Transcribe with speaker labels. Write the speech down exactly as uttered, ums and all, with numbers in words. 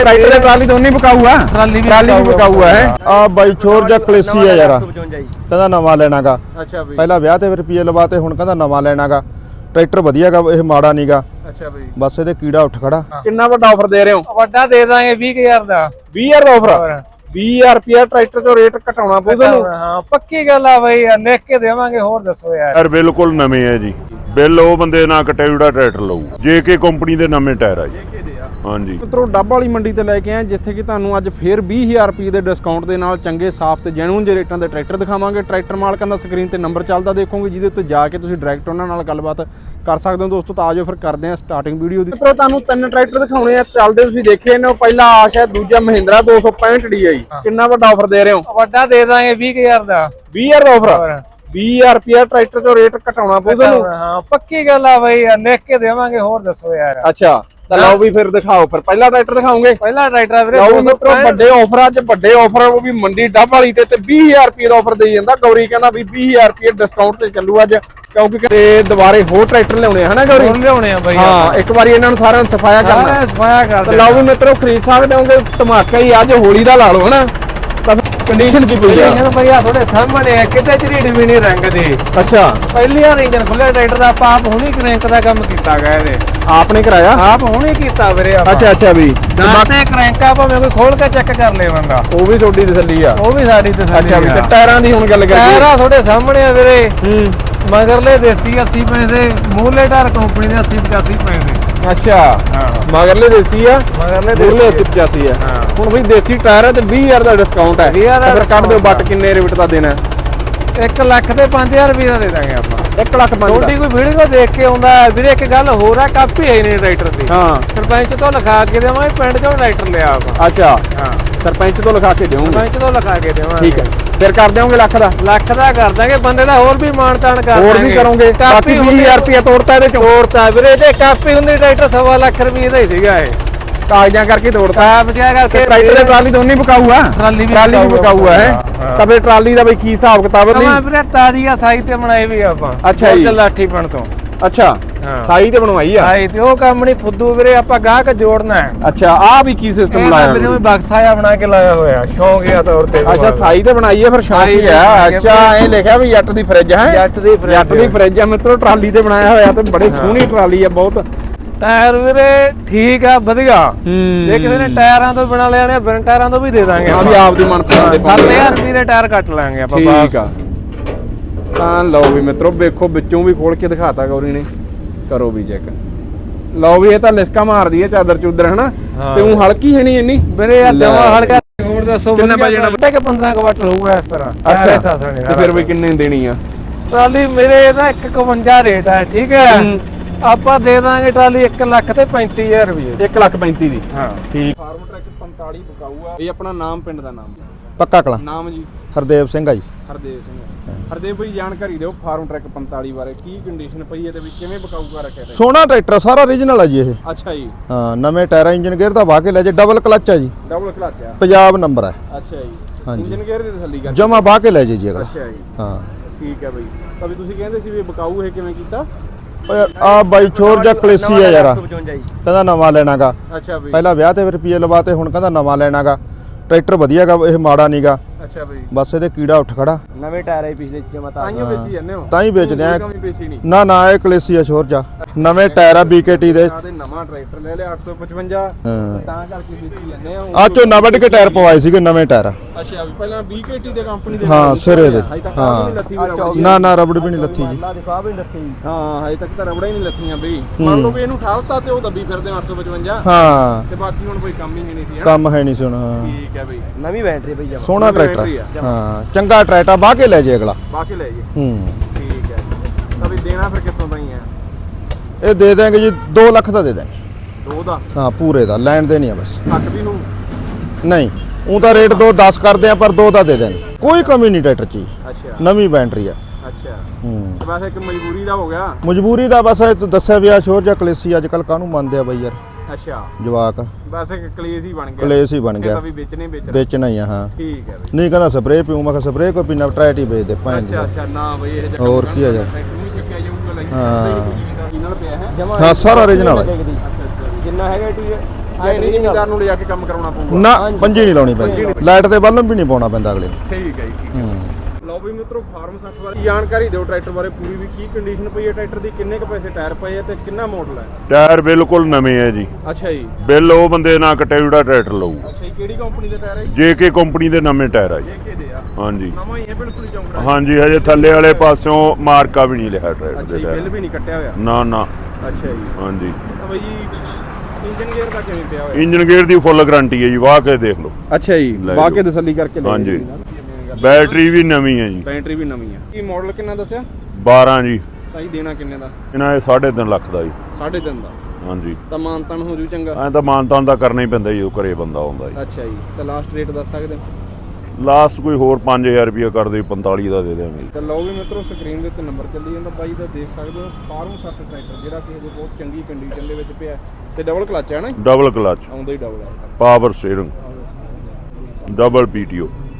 Speaker 1: Tractor ਤੇ trolley ਦੋਨੇ ਬਕਾਊ ਆ ਟਰਾਲੀ ਵੀ ਬਕਾਊ ਹੈ ਆ ਬਾਈ ਛੋਰ ਜਾਂ ਕਲੇਸੀ ਆ ਯਾਰ ਕਹਿੰਦਾ ਨਵਾਂ ਲੈਣਾਗਾ ਅੱਛਾ ਬਈ ਪਹਿਲਾਂ ਵਿਆਹ ਤੇ ਰੁਪਏ ਲਵਾਤੇ ਹੁਣ ਕਹਿੰਦਾ ਨਵਾਂ ਲੈਣਾਗਾ ਟਰੈਕਟਰ ਵਧੀਆਗਾ ਇਹ ਮਾੜਾ ਨਹੀਂਗਾ ਅੱਛਾ ਬਈ ਬਸ ਇਹਦੇ ਕੀੜਾ ਉੱਠ ਖੜਾ ਕਿੰਨਾ ਵੱਡਾ ਆਫਰ ਦੇ ਰਹੇ ਹੋ
Speaker 2: ਵੱਡਾ ਦੇ ਦਾਂਗੇ ਵੀਹ ਹਜ਼ਾਰ ਦਾ
Speaker 1: ਵੀਹ ਹਜ਼ਾਰ ਦਾ ਆਫਰ ਵੀਹ ਹਜ਼ਾਰ ਰੁਪਿਆ ਟਰੈਕਟਰ ਤੋਂ ਰੇਟ ਘਟਾਉਣਾ ਪਊ ਤੁਹਾਨੂੰ
Speaker 2: ਹਾਂ ਪੱਕੀ ਗੱਲ ਆ ਬਈ ਲਿਖ ਕੇ ਦੇਵਾਂਗੇ ਹੋਰ ਦੱਸੋ ਯਾਰ
Speaker 3: ਯਾਰ ਬਿਲਕੁਲ ਨਵੇਂ ਆ ਜੀ ਬਿੱਲ ਉਹ ਬੰਦੇ ਨਾਲ ਕਟਿਆ ਜਿਹੜਾ ਟਰੈਕਟਰ ਲਊ ਜੇਕੇ ਕੰਪਨੀ ਦੇ ਨਵੇਂ ਟਾਇਰ ਆ ਜੀ ਹਾਂਜੀ
Speaker 1: ਮਿੱਤਰੋ ਡੱਬ ਵਾਲੀ ਮੰਡੀ ਤੇ ਲੈ ਕੇ ਆਏ ਜਿੱਥੇ ਕਿ ਤੁਹਾਨੂੰ ਅੱਜ ਫੇਰ ਵੀਹ ਹਜ਼ਾਰ ਰੁਪਏ ਦੇ ਡਿਸਕਾਊਂਟ ਦੇ ਨਾਲ ਚੰਗੇ ਸਾਫ਼ ਤੇ ਜੈਨੂਇਨ ਜਿਹੇ ਰੇਟਾਂ ਦੇ ਟਰੈਕਟਰ ਦਿਖਾਵਾਂਗੇ ਟਰੈਕਟਰ ਮਾਲਕਾਂ ਦਾ ਸਕਰੀਨ ਤੇ ਨੰਬਰ ਚੱਲਦਾ ਦੇਖੋਗੇ ਜਿਹਦੇ ਉੱਤੇ ਜਾ ਕੇ ਤੁਸੀਂ ਡਾਇਰੈਕਟ ਉਹਨਾਂ ਨਾਲ ਗੱਲਬਾਤ ਕਰ ਸਕਦੇ ਹੋ ਦੋਸਤੋ ਤਾਂ ਆਜੋ ਫਿਰ ਕਰਦੇ ਹਾਂ ਸਟਾਰਟਿੰਗ ਵੀਡੀਓ ਦੀ ਮਿੱਤਰੋ ਤੁਹਾਨੂੰ ਤਿੰਨ ਟਰੈਕਟਰ ਦਿਖਾਉਣੇ ਆ ਚੱਲਦੇ ਤੁਸੀਂ ਦੇਖੇ ਨੇ ਪਹਿਲਾ ਆਸ਼ ਹੈ ਦੂਜਾ ਮਹਿੰਦਰਾ ਦੋ ਸੌ ਪੈਂਹਠ ਡੀ ਆਈ ਕਿੰਨਾ ਵੱਡਾ ਆਫਰ ਦੇ ਰਹੇ ਹੋ
Speaker 2: ਵੱਡਾ ਦੇ ਦਾਂਗੇ ਵੀਹ ਹਜ਼ਾਰ ਦਾ
Speaker 1: ਵੀਹ ਹਜ਼ਾਰ ਦਾ ਆਫਰ ਵੀਹ ਹਜ਼ਾਰ ਰੁਪਿਆ ਟਰੈਕਟਰ ਤੋਂ ਰੇਟ ਘਟਾਉਣਾ ਪਊ ਤੁਹਾਨੂੰ
Speaker 2: ਹਾਂ ਪੱਕੀ ਗੱਲ ਆ ਬਈ ਲਿਖ ਕੇ ਦੇਵਾਂਗੇ ਹੋਰ ਦੱਸੋ ਯਾਰ
Speaker 1: ਅੱਛਾ ਤਾਂ ਲਓ ਵੀ ਫਿਰ ਦਿਖਾਓ ਫਿਰ ਪਹਿਲਾ ਟਰੈਕਟਰ ਦਿਖਾਓਗੇ
Speaker 2: ਪਹਿਲਾ ਟਰੈਕਟਰ ਵੀਰੇ
Speaker 1: ਲਓ ਮਿੱਤਰੋ ਵੱਡੇ ਆਫਰ ਅੱਜ ਵੱਡੇ ਆਫਰ ਉਹ ਵੀ ਮੰਡੀ ਡੱਬ ਵਾਲੀ ਤੇ ਵੀਹ ਹਜ਼ਾਰ ਰੁਪਏ ਦਾ ਆਫਰ ਦੇਈ ਜਾਂਦਾ ਗੌਰੀ ਕਹਿੰਦਾ ਵੀ ਵੀਹ ਹਜ਼ਾਰ ਰੁਪਏ ਡਿਸਕਾਊਂਟ ਤੇ ਚੱਲੂ ਅੱਜ ਕਿਉਂਕਿ ਤੇ ਦੁਬਾਰੇ ਹੋਰ ਟਰੈਕਟਰ ਲਿਆਉਣੇ ਹਨਾ ਗੌਰੀ
Speaker 2: ਹੋਰ ਲਿਆਉਣੇ ਆ ਬਈ
Speaker 1: ਹਾਂ ਇੱਕ ਵਾਰੀ ਇਹਨਾਂ ਨੂੰ ਸਾਰਿਆਂ ਨੂੰ ਸਫਾਇਆ ਕਰਨਾ
Speaker 2: ਸਫਾਇਆ ਕਰ
Speaker 1: ਤੇ ਲਓ ਵੀ ਮਿੱਤਰੋ ਖਰੀਦ ਸਕਦੇ ਹੋਗੇ ਧਮਾਕਾ ਹੀ ਅੱਜ ਹੋਲੀ ਦਾ ਲਾ ਲਓ ਹਨਾ ਤਾਂ ਕੰਡੀਸ਼ਨ ਕੀ ਪਈ ਆ
Speaker 2: ਕੰਡੀਸ਼ਨ ਭਈਆ ਤੁਹਾਡੇ ਸਾਹਮਣੇ ਆ ਕਿਤੇ ਝਰੀੜ ਵੀ ਨਹੀਂ ਰੰਗ ਦੀ
Speaker 1: ਅੱਛਾ
Speaker 2: ਪਹਿਲੀ ਵਾਰ ਇੰਜਨ ਖੁੱਲੇ ਟਰੈਕਟਰ ਦਾ ਆਪਾਂ ਆਪ ਹੁਣੀ ਕ੍ਰੈਂਕ ਦਾ ਕੰਮ ਕੀਤਾ ਗਿਆ ਇਹਦੇ
Speaker 1: ਆਪਨੇ ਕਰਾਇਆ
Speaker 2: ਆਪ ਹੁਣੀ ਕੀਤਾ ਵੀਰੇ ਆਪਾਂ
Speaker 1: ਅੱਛਾ ਅੱਛਾ ਵੀ
Speaker 2: ਤੇ ਕ੍ਰੈਂਕ ਆ ਭਾਵੇਂ ਕੋਈ ਖੋਲ ਕੇ ਚੈੱਕ ਕਰ ਲੇ ਬੰਦਾ
Speaker 1: ਉਹ ਵੀ ਤੁਹਾਡੀ ਤਸੱਲੀ ਆ
Speaker 2: ਉਹ ਵੀ ਸਾਡੀ ਤਸੱਲੀ
Speaker 1: ਅੱਛਾ ਵੀ ਤੇ ਟਾਇਰਾਂ ਦੀ ਹੁਣ ਗੱਲ ਕਰੀਏ
Speaker 2: ਟਾਇਰਾਂ ਤੁਹਾਡੇ ਸਾਹਮਣੇ ਆ ਵੀਰੇ
Speaker 1: ਹੂੰ
Speaker 2: ਮਗਰਲੇ ਦੇਸੀ ਅੱਸੀ ਪੈਸੇ ਮੂਹਰਲੇ ਟਾਇਰ ਕੰਪਨੀ ਦੇ ਅੱਸੀ ਪਚਾਸੀ ਪੈਸੇ
Speaker 1: ਅੱਛਾ
Speaker 2: ਹਾਂ
Speaker 1: ਮਗਰਲੇ ਦੇਸੀ ਆ
Speaker 2: ਮਗਰਲੇ
Speaker 1: ਮੂਹਰਲੇ ਅੱਸੀ ਪਚਾਸੀ ਆ ਹੁਣ ਬਈ ਦੇਸੀ ਟਾਇਰ ਹੈ ਤੇ ਵੀਹ ਹਜ਼ਾਰ ਦਾ ਡਿਸਕਾਊਂਟ ਹੈ ਫਿਰ ਕੱਢ ਦਿਓ ਬੱਟ ਕਿੰਨੇ ਰੇਟ ਦਾ ਦੇਣਾ
Speaker 2: ਇੱਕ ਲੱਖ ਤੇ ਪੰਜ ਹਜ਼ਾਰ ਰੁਪਏ ਦਾ ਦੇ ਦਾਂਗੇ ਆਪਾਂ
Speaker 1: ਇੱਕ ਲੱਖ ਪੰਜ
Speaker 2: ਛੋਟੀ ਕੋਈ ਵੀਡੀਓ ਦੇਖ ਕੇ ਆਉਂਦਾ ਵੀਰੇ ਇੱਕ ਗੱਲ ਹੋਰ ਆ ਕਾਪੀ ਹੈ ਨਹੀਂ ਟਰੈਕਟਰ ਦੀ
Speaker 1: ਹਾਂ
Speaker 2: ਸਰਪੰਚ ਤੋਂ ਲਿਖਾ ਕੇ ਦੇਵਾਂਗੇ ਪਿੰਡ ਚੋਂ ਟਰੈਕਟਰ ਲਿਆ ਆਪਾਂ
Speaker 1: ਅੱਛਾ
Speaker 2: ਹਾਂ
Speaker 1: ਸਰਪੰਚ ਤੋਂ ਲਿਖਾ ਕੇ ਦੇਵਾਂਗੇ
Speaker 2: ਸਰਪੰਚ ਤੋਂ ਲਿਖਾ ਕੇ ਦੇਵਾਂਗੇ
Speaker 1: ਠੀਕ ਹੈ ਫਿਰ ਕਰ ਦਿਓਗੇ ਲੱਖ ਦਾ
Speaker 2: ਲੱਖ ਦਾ ਕਰ ਦਾਂਗੇ ਬੰਦੇ ਦਾ ਹੋਰ ਵੀ ਮਾਣ ਤਾਣ ਕਰ
Speaker 1: ਹੋਰ ਵੀ ਕਰੋਗੇ ਬਾਕੀ ਵੀਹ ਹਜ਼ਾਰ ਰੁਪਏ ਤੋੜਤਾ ਇਹਦੇ ਚੋਂ
Speaker 2: ਤੋੜਤਾ ਵੀਰੇ ਤੇ ਕਾਪੀ ਹੁੰਦੀ ਟਰੈਕਟਰ ਸਵਾ ਲੱਖ ਰੁਪਏ ਦਾ ਹੀ ਸੀਗਾ ਇਹ
Speaker 1: ਕਾਗਜ਼ਾਂ ਕਰਕੇ ਤੋੜਤਾ
Speaker 2: ਬਚਿਆ ਕਰਕੇ
Speaker 1: ਟਰੈਕਟਰ ਤੇ ਟਰਾਲੀ ਦੋਨੇ ਬਕਾਊ ਆ
Speaker 2: ਟਰਾਲੀ ਵੀ
Speaker 1: ਟਰਾਲੀ ਵੀ ਬਕਾਊ ਆ ਹੈ ਤਾਂ ਫਿਰ ਟਰਾਲੀ ਦਾ ਬਈ ਕੀ ਹਿਸਾਬ ਕਿਤਾਬ ਨਹੀਂ
Speaker 2: ਮੈਂ ਵੀਰੇ ਤਾਜ਼ੀਆ ਸਾਈ ਤੇ ਬਣਾਈ ਵੀ ਆਪਾਂ
Speaker 1: ਅੱਛਾ ਜੀ
Speaker 2: ਲਾਠੀ ਪਣ ਤੋਂ
Speaker 1: ਅੱਛਾ ਸਾਈ ਤੇ ਬਣਵਾਈ ਆ
Speaker 2: ਸਾਈ ਤੇ ਉਹ ਕੰਮ ਨਹੀਂ ਫੁੱਦੂ ਵੀਰੇ ਆਪਾਂ ਗਾਹਕ ਜੋੜਨਾ ਹੈ
Speaker 1: ਅੱਛਾ ਆ ਵੀ ਕੀ ਸਿਸਟਮ ਲਾਇਆ
Speaker 2: ਵੀਰੇ ਉਹ ਬਕਸਾ ਆ ਬਣਾ ਕੇ ਲਾਇਆ ਹੋਇਆ ਸ਼ੌਂਕੀਆ ਤੌਰ ਤੇ
Speaker 1: ਅੱਛਾ ਸਾਈ ਤੇ ਬਣਾਈ ਆ ਫਿਰ ਸ਼ੌਂਕੀ ਆ ਅੱਛਾ ਇਹ ਲਿਖਿਆ ਵੀ ਜੱਟ ਦੀ ਫਰਿੱਜ ਹੈ
Speaker 2: ਜੱਟ ਦੀ ਫਰਿੱਜ
Speaker 1: ਜੱਟ ਦੀ ਫਰਿੱਜ ਆ ਮਿੱਤਰੋ ਟਰਾਲੀ ਤੇ ਬਣਾਇਆ ਹੋਇਆ ਤੇ ਬੜੀ ਸੋਹਣੀ ਟਰਾਲੀ ਆ ਬਹੁਤ
Speaker 2: ਟਾਇਰ ਵੀਰੇ ਠੀਕ ਆ ਵਧੀਆ ਜੇ ਕਿਸੇ ਨੇ ਟਾਇਰਾਂ ਤੋਂ ਬਿਨਾ ਲੈਣੇ ਬਿਨ ਟਾਇਰਾਂ ਤੋਂ ਵੀ ਦੇ ਦਾਂਗੇ
Speaker 1: ਹਾਂ ਵੀ ਆਪ ਦੀ ਮਨਪਸੰਦ ਦੇ
Speaker 2: ਸੱਤ ਹਜ਼ਾਰ ਰੁਪਏ ਦੇ ਟਾਇਰ ਕੱਟ ਲਾਂਗੇ ਆਪਾਂ
Speaker 1: ਠੀਕ ਆ ਤਾਂ ਲਓ ਵੀ ਮਿੱਤਰੋ ਵੇਖੋ ਵਿੱਚੋਂ ਵੀ ਖੋਲ ਕੇ ਦਿਖਾਤਾ ਗੌਰੀ ਨੇ ਕਰੋ ਵੀ ਚੈੱਕ ਲਓ ਵੀ ਇਹ ਤਾਂ ਲਿਸਕਾ ਮਾਰਦੀ ਹੈ ਚਾਦਰ ਚੁੱਦਰ ਹਨਾ ਤੇ ਉਹ ਹਲਕੀ ਹੈ ਨਹੀਂ ਇੰਨੀ
Speaker 2: ਵੀਰੇ ਯਾਰ ਦਵਾ ਹਲਕਾ ਹੋਰ ਦੱਸੋ
Speaker 1: ਕਿੰਨਾ ਵਜਣਾ
Speaker 2: ਕਿ ਪੰਦਰਾਂ ਕੁ ਹੋਊਗਾ ਇਸ ਤਰ੍ਹਾਂ
Speaker 1: ਅੱਛਾ ਤੇ ਫਿਰ ਵੀ ਕਿੰਨੇ ਦੇਣੀ ਆ
Speaker 2: ਟਰਾਲੀ ਮੇਰੇ ਇਹਦਾ ਇੱਕ ਸੌ ਇਕਵੰਜਾ ਰੇਟ ਹੈ ਠੀਕ ਹੈ ਆਪਾਂ ਦੇ ਦਾਂਗੇ ਟਰਾਲੀ ਇੱਕ ਲੱਖ ਤੇ ਪੈਂਤੀ ਹਜ਼ਾਰ ਰੁਪਏ
Speaker 1: ਇੱਕ ਲੱਖ ਪੈਂਤੀ ਦੀ
Speaker 2: ਹਾਂ
Speaker 1: ਠੀਕ ਫਾਰਮ ਟਰੈਕ ਪੰਤਾਲੀ ਬਕਾਊ ਆ ਇਹ ਆਪਣਾ ਨਾਮ ਪਿੰਡ ਦਾ ਨਾਮ
Speaker 4: ਪੱਕਾ ਕਲਾਂ
Speaker 1: ਨਾਮ ਜੀ
Speaker 4: ਹਰਦੇਵ ਸਿੰਘ ਆ ਜੀ
Speaker 1: ਹਰਦੇਵ ਸਿੰਘ ਹਰਦੇਵ ਭਾਈ ਜਾਣਕਾਰੀ ਦਿਓ ਫਾਰਮ ਟਰੈਕ ਪੰਤਾਲੀ ਬਾਰੇ ਕੀ ਕੰਡੀਸ਼ਨ ਪਈ ਹੈ ਤੇ ਵੀ ਕਿਵੇਂ ਬਕਾਊ ਕਰ ਰੱਖਿਆ ਹੈ
Speaker 4: ਸੋਹਣਾ ਟਰੈਕਟਰ ਸਾਰਾ ਓਰੀਜਨਲ ਆ ਜੀ ਇਹ
Speaker 1: ਅੱਛਾ ਜੀ
Speaker 4: ਹਾਂ ਨਵੇਂ ਟਾਇਰਾਂ ਇੰਜਨ ਗੇਅਰ ਦਾ ਵਾਹ ਕੇ ਲੈ ਜੇ ਡਬਲ ਕਲਚ ਆ ਜੀ
Speaker 1: ਡਬਲ ਕਲਚ ਆ
Speaker 4: ਪੰਜਾਬ ਨੰਬਰ ਹੈ
Speaker 1: ਅੱਛਾ ਜੀ
Speaker 4: ਹਾਂਜੀ
Speaker 1: ਇੰਜਨ ਗੇਅਰ ਦੀ ਤਸੱਲੀ ਕਰ
Speaker 4: ਜਮਾ ਵਾਹ ਕੇ ਲੈ ਜੇ ਜੀ ਅਗਲਾ
Speaker 1: ਅੱਛਾ ਜੀ
Speaker 4: ਹਾਂ
Speaker 1: ਠੀਕ ਹੈ ਬਾਈ ਤਾਂ ਵੀ ਤੁਸੀਂ ਕਹਿੰਦੇ ਸੀ ਵੀ ਬਕਾਊ ਇਹ ਕਿਵੇਂ ਕੀਤਾ
Speaker 4: ਆ ਬਾਈ ਛੋਰ ਜਾਂ ਕਲੇਸੀ ਆ ਯਾਰ ਕਹਿੰਦਾ ਨਵਾਂ ਲੈਣਾਗਾ
Speaker 1: ਅੱਛਾ ਬਈ
Speaker 4: ਪਹਿਲਾਂ ਵਿਆਹ ਤੇ ਰੁਪਏ ਲਵਾਤੇ ਹੁਣ ਕਹਿੰਦਾ ਨਵਾਂ ਲੈਣਾਗਾ ਟਰੈਕਟਰ ਵਧੀਆਗਾ ਇਹ ਮਾੜਾ ਨਹੀਂਗਾ
Speaker 1: ਅੱਛਾ ਬਈ
Speaker 4: ਬਸ ਇਹਦੇ ਕੀੜਾ ਉੱਠ ਖੜਾ
Speaker 2: ਨਵੇਂ ਟਾਇਰ ਆਏ ਪਿਛਲੇ ਜਮਾ ਤਾਂ
Speaker 1: ਆਈਓ ਵੇਚੀ ਜਾਂਦੇ ਹੋ
Speaker 4: ਤਾਂ ਹੀ ਵੇਚਦੇ ਆ
Speaker 1: ਵੇਚੀ ਨਹੀਂ
Speaker 4: ਨਾ ਨਾ ਇਹ ਕਲੇਸੀ ਆ ਛੋਰ ਜਾ ਨਵੇਂ ਟਾਇਰ ਆ ਬੀਕੇਟੀ ਦੇ
Speaker 1: ਤੇ ਨਵਾਂ ਟਰੈਕਟਰ ਲੈ ਲਿਆ ਅੱਠ ਸੌ ਪਚਵੰਜਾ ਤਾਂ ਕਰਕੇ ਵੇਚੀ ਜਾਂਦੇ ਆ
Speaker 4: ਆ ਝੋਨਾ ਵੱਢ ਕੇ ਟਾਇਰ ਪਵਾਏ ਸੀਗੇ ਨਵੇਂ ਟਾਇਰ
Speaker 1: ਅੱਛਾ ਵੀ ਪਹਿਲਾਂ ਬੀਕੇਟੀ ਦੇ ਕੰਪਨੀ ਦੇ
Speaker 4: ਹਾਂ ਸਿਰੇ ਦੇ
Speaker 1: ਹਾਂ
Speaker 4: ਨਾ ਨਾ ਰਬੜ ਵੀ ਨਹੀਂ ਲੱਥੀ ਜੀ
Speaker 1: ਹਾਂ ਹਜੇ ਤੱਕ ਤਾਂ ਰਬੜਾ ਹੀ ਨਹੀਂ ਲੱਥੀਆਂ ਬਈ ਮੰਨ ਲਓ ਵੀ ਇਹਨੂੰ ਠਾਲਤਾ ਤੇ ਉਹ ਦੱਬੀ ਫਿਰਦੇ ਅੱਠ ਸੌ ਪਚਵੰਜਾ
Speaker 4: ਹਾਂ
Speaker 1: ਤੇ ਬਾਕੀ ਹੁਣ ਕੋਈ ਕੰਮ ਹੀ ਨਹੀਂ ਸੀ
Speaker 4: ਕੰਮ ਹੈ ਨਹੀਂ ਸੀ ਹੁਣ
Speaker 1: ਠੀਕ ਹੈ ਬਈ
Speaker 2: ਨਵੀਂ ਬੈਟਰੀ ਪਈ
Speaker 4: ਸੋਹਣਾ ਟਰੈਕਟਰ ਹਾਂ ਚੰਗਾ ਟਰੈਕਟਰ ਬਾਹ ਕੇ ਲੈ ਜੇ ਅਗਲਾ
Speaker 1: ਬਾਹ ਕੇ ਲੈ ਜੇ
Speaker 4: ਹੂੰ
Speaker 1: ਠੀਕ ਹੈ ਤਾਂ ਵੀ ਦੇਣਾ ਫਿਰ ਕਿੱਥੋਂ ਦਾ ਹੀ ਆ
Speaker 4: ਇਹ ਦੇ ਦੇਂਗੇ ਜੀ ਦੋ ਲੱਖ ਦਾ ਦੇ ਦੇਂਗੇ
Speaker 1: ਦੋ ਦਾ
Speaker 4: ਹਾਂ ਪੂਰੇ ਦਾ ਲੈਣ ਦੇ ਨਹੀਂ ਆ ਬਸ
Speaker 1: ਘੱਟ ਵੀ ਹੋਊ
Speaker 4: ਨਹੀਂ ਉਹ ਤਾਂ ਰੇਟ ਦੋ ਦਸ ਕਰਦੇ ਆ ਪਰ ਦੋ ਦਾ ਦੇ ਦੇਂਗੇ ਕੋਈ ਕਮੀ ਨਹੀਂ ਟਰੈਕਟਰ 'ਚ
Speaker 1: ਅੱਛਾ
Speaker 4: ਨਵੀਂ ਬੈਟਰੀ ਆ
Speaker 1: ਅੱਛਾ
Speaker 4: ਹੂੰ
Speaker 1: ਬਸ ਇੱਕ ਮਜਬੂਰੀ ਦਾ ਹੋ ਗਿਆ
Speaker 4: ਮਜਬੂਰੀ ਦਾ ਬਸ ਇਹ ਦੱਸਿਆ ਵੀ ਆ ਸ਼ੋਰ ਜਾਂ ਕਲੇਸੀ ਅੱਜ ਕੱਲ ਕਾਹਨੂੰ ਮੰਨਦੇ ਆ ਬਈ ਯਾਰ
Speaker 1: ਅੱਛਾ
Speaker 4: ਜਵਾਕ
Speaker 1: ਬਸ ਇੱਕ ਕਲੇਸ਼ ਹੀ ਬਣ ਗਿਆ
Speaker 4: ਕਲੇਸ਼ ਹੀ ਬਣ ਗਿਆ
Speaker 1: ਤਾਂ ਵੀ ਵੇਚਣੇ ਵੇਚਣਾ
Speaker 4: ਵੇਚਣਾ ਹੀ ਆ ਹਾਂ
Speaker 1: ਠੀਕ ਹੈ ਬਈ
Speaker 4: ਨਹੀਂ ਕਹਿੰਦਾ ਸਪਰੇਅ ਪੀਉ ਮੈਂ ਕਿਹਾ ਸਪਰੇਅ ਕੋਈ ਪੀਣਾ ਟਰੈਟ ਹੀ ਵੇਚ ਦੇ ਭੈਣ
Speaker 1: ਅੱਛਾ ਅੱਛਾ ਨਾ ਬਈ ਇਹ ਜਗ੍ਹਾ
Speaker 4: ਹੋਰ ਕੀ ਆ ਯਾਰ
Speaker 1: ਚੱਕਿਆ ਜਾਊਗਾ ਲੈ
Speaker 4: ਹਾਂ
Speaker 1: ਨਾਲ ਪਿਆ ਹੈ
Speaker 4: ਹਾਂ ਸਾਰਾ ਓਰੀਜਨਲ ਹੈ
Speaker 1: ਅੱਛਾ ਅੱਛਾ
Speaker 2: ਜਿੰਨਾ ਹੈਗਾ ਟੀ
Speaker 1: ਆਏ ਨਹੀਂ ਜ਼ਿਮੀਦਾਰ ਨੂੰ ਲਿਜਾ ਕੇ ਕੰਮ ਕਰਾਉਣਾ ਪਊਗਾ।
Speaker 4: ਨਾ ਪੰਜੀ ਨਹੀਂ ਲਾਉਣੀ ਪੈਂਦੀ, ਲਾਈਟ ਤੇ ਬਲਬ ਵੀ ਨਹੀਂ ਪਾਉਣਾ ਪੈਂਦਾ ਅਗਲੇ ਨੂੰ।
Speaker 1: ਠੀਕ ਹੈ ਜੀ, ਠੀਕ ਹੈ। ਲਓ ਵੀ ਮਿੱਤਰੋ ਫਾਰਮ ਸੱਠ ਬਾਰੇ ਜਾਣਕਾਰੀ ਦਿਓ ਟਰੈਕਟਰ ਬਾਰੇ ਪੂਰੀ, ਵੀ ਕੀ ਕੰਡੀਸ਼ਨ ਪਈ ਹੈ ਟਰੈਕਟਰ ਦੀ, ਕਿੰਨੇ ਕ ਪੈਸੇ ਟਾਇਰ ਪਏ ਆ ਤੇ ਕਿੰਨਾ ਮਾਡਲ ਹੈ?
Speaker 3: ਟਾਇਰ ਬਿਲਕੁਲ ਨਵੇਂ ਹੈ ਜੀ।
Speaker 1: ਅੱਛਾ ਜੀ,
Speaker 3: ਬਿੱਲ ਉਹ ਬੰਦੇ ਨਾਲ ਕੱਟਿਆ ਜਿਹੜਾ ਟਰੈਕਟਰ ਲਊ।
Speaker 1: ਅੱਛਾ ਜੀ, ਕਿਹੜੀ ਕੰਪਨੀ ਦੇ ਟਾਇਰ ਹੈ ਜੀ?
Speaker 3: ਜੇਕੇ ਕੰਪਨੀ ਦੇ ਨਵੇਂ ਟਾਇਰ ਆ ਜੀ।
Speaker 1: ਜੇਕੇ ਦੇ ਆ,
Speaker 3: ਹਾਂਜੀ
Speaker 1: ਨਵਾਂ ਹੀ ਹੈ ਬਿਲਕੁਲ ਹੀ ਚੌਂਕੜਾ।
Speaker 3: ਹਾਂਜੀ, ਹਜੇ ਥੱਲੇ ਵਾਲੇ ਪਾਸਿਓਂ ਮਾਰਕਾ ਵੀ ਨਹੀਂ ਲਿਆ ਟਰੈਕਟਰ
Speaker 1: ਅੱਛਾ
Speaker 3: ਦੇ
Speaker 1: ਜੀ, ਬਿੱਲ
Speaker 3: ਟਾਇਰ।
Speaker 1: ਵੀ ਨਹੀਂ ਕੱਟਿਆ ਹੋਇਆ।
Speaker 3: ਨਾ ਨਾ।
Speaker 1: ਅੱਛਾ ਜੀ,
Speaker 3: ਹਾਂਜੀ,
Speaker 1: ਤਾਂ ਬਈ ਇੰਜਨ ਗੇਅਰ ਦਾ ਕਿਵੇਂ ਪਿਆ ਹੋਇਆ?
Speaker 3: ਇੰਜਨ ਗੇਅਰ ਦੀ ਫੁੱਲ ਗਾਰੰਟੀ ਹੈ ਜੀ, ਵਾਹ ਕੇ ਦੇਖ ਲਓ।
Speaker 1: ਅੱਛਾ ਜੀ,
Speaker 3: ਲੈ
Speaker 1: ਬਾਹ
Speaker 3: ਜਾਓ।
Speaker 1: ਕੇ ਤਸੱਲੀ ਕਰਕੇ ਲੈ
Speaker 3: ਹਾਂਜੀ।
Speaker 1: ਜਾਓ।
Speaker 3: ਬੈਟਰੀ ਵੀ ਨਵੀਂ ਹੈ ਜੀ।
Speaker 1: ਬੈਟਰੀ ਵੀ ਨਵੀਂ ਆ। ਕੀ ਮਾਡਲ ਕਿੰਨਾ ਦੱਸਿਆ?
Speaker 3: ਬਾਰਾਂ ਜੀ।
Speaker 1: ਸਹੀ ਦੇਣਾ ਕਿੰਨੇ ਦਾ?
Speaker 3: ਇਹਨਾਂ ਇਹ ਸਾਢੇ ਤਿੰਨ ਲੱਖ ਦਾ ਜੀ।
Speaker 1: ਸਾਢੇ ਤਿੰਨ ਦਾ।
Speaker 3: ਹਾਂਜੀ,
Speaker 1: ਤਾਂ ਮਾਨਤਾਨ ਹੋ ਜੂ ਚੰਗਾ।
Speaker 3: ਐਂ ਤਾਂ ਮਾਨਤਾਨ ਦਾ ਕਰਨਾ ਹੀ ਪੈਂਦਾ ਜੀ, ਉਹ ਘਰੇ ਬੰਦਾ ਆਉਂਦਾ ਜੀ।
Speaker 1: ਅੱਛਾ ਜੀ, ਤਾਂ ਲਾਸਟ ਰੇਟ ਦੱਸ ਸਕਦੇ ਹੋ?
Speaker 3: ਲਾਸਟ ਕੋਈ ਹੋਰ ਪੰਜ ਹਜ਼ਾਰ ਰੁਪਏ ਕਰ ਦੇ, ਪੰਤਾਲੀ ਦਾ ਦੇ ਦਿਆਂਗੇ।
Speaker 1: ਤਾਂ ਲਓ ਵੀ ਮਿੱਤਰੋ, ਸਕਰੀਨ ਦੇ ਉੱਤੇ ਨੰਬਰ ਚੱਲੀ ਜਾਂਦਾ ਬਾਈ ਦਾ, ਦੇਖ ਸਕਦੇ ਹੋ। ਫਾਰਮ ਸੱਠ ਟਰੈਕਟਰ ਜਿਹੜਾ ਕਿ ਹਜੇ ਬਹੁਤ ਚੰਗੀ ਕੰਡੀਸ਼ਨ ਦੇ ਵਿੱਚ ਪਿਆ ਤੇ ਡਬਲ ਕਲਚ ਹੈ ਨਾ?
Speaker 3: ਡਬਲ ਕਲਚ,
Speaker 1: ਆਉਂਦਾ ਹੀ ਡਬਲ ਹੈ।
Speaker 3: Power steering, double PTO.